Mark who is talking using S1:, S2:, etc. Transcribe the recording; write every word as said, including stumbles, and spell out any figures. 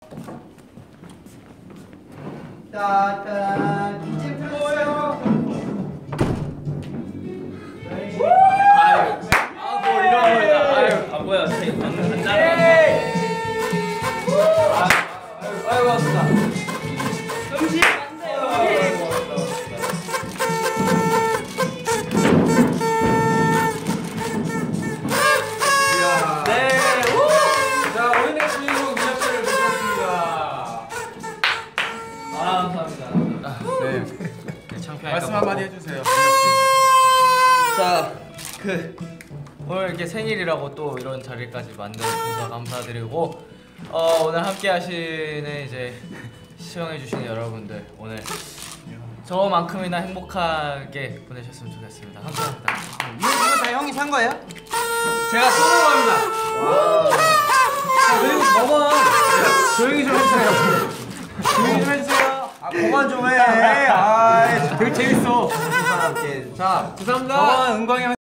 S1: 따따 이제 펴세요.
S2: 아유, 아, 뭐 이런 거야. 아유, 아 뭐야, 방금 한 잔. 아유, 고맙습니다.
S1: 음식 안 돼요.
S2: 네, 우! 자, 오늘의 주인공 민혁 씨를 모셨습니다. 아, 감사합니다.
S3: 네.
S2: 네, 창피하니까
S3: 말씀 한마디 해주세요.
S2: 자, 그 오늘 이렇게 생일이라고 또 이런 자리까지 만들어주셔서 감사드리고 어, 오늘 함께 하시는 이제 시청해주시는 여러분들 오늘 저만큼이나 행복하게 보내셨으면 좋겠습니다. 감사합니다.
S1: 이거 다 형이 산 거예요?
S2: 제가 쏘는 겁니다. 와. 자, 그리고 저번 조용히 좀 해주세요. 조용히 좀 해주세요.
S1: 아 그만 좀 해. 아
S2: 되게 재밌어.
S1: 사람께.
S2: 자, 감사합니다.
S3: 저번 은광이 형